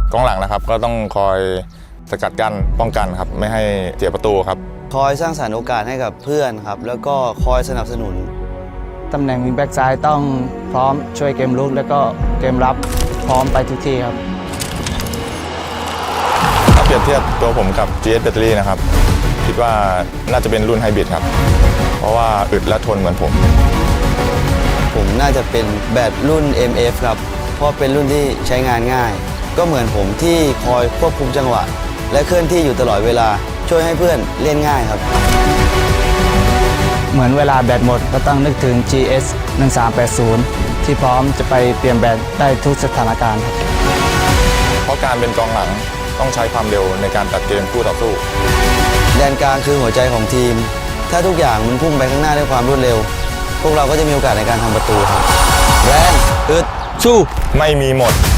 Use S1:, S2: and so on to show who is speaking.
S1: กองหลังนะครับก็ต้องคอยสกัดกั้นป้องกันครับไม่ให้เสียประตูครับ
S2: คอยสร้างสรรค์โอกาสให้กับเพื่อนครับแล้วก็คอยสนับสนุน
S3: ตำแหน่งวิงแบ็กซ้ายต้องพร้อมช่วยเกมรุกแล้วก็เกมรับพร้อมไปทุกที่ครับ
S1: ถ้าเปรียบเทียบตัวผมกับ GS Battery นะครับคิดว่าน่าจะเป็นรุ่นไฮบริดครับเพราะว่าอึดและทนเหมือนผม
S2: น่าจะเป็นแบตรุ่น MF ครับเพราะเป็นรุ่นที่ใช้งานง่ายก็เหมือนผมที่คอยควบคุมจังหวะและเคลื่อนที่อยู่ตลอดเวลาช่วยให้เพื่อนเล่นง่ายครับ
S3: เหมือนเวลาแบตหมดก็ต้องนึกถึง GS 1380ที่พร้อมจะไปเปลี่ยนแบตได้ทุกสถานการณ์ครับ
S1: เพราะการเป็นกองหลังต้องใช้ความเร็วในการตัดเกมคู่ต่อสู้
S2: แดนกลางคือหัวใจของทีมถ้าทุกอย่างมันพุ่งไปข้างหน้าด้วยความรวดเร็วพวกเราก็จะมีโอกาสในการทำประตูครับแรงอึดสู้
S1: ไม่มีหมด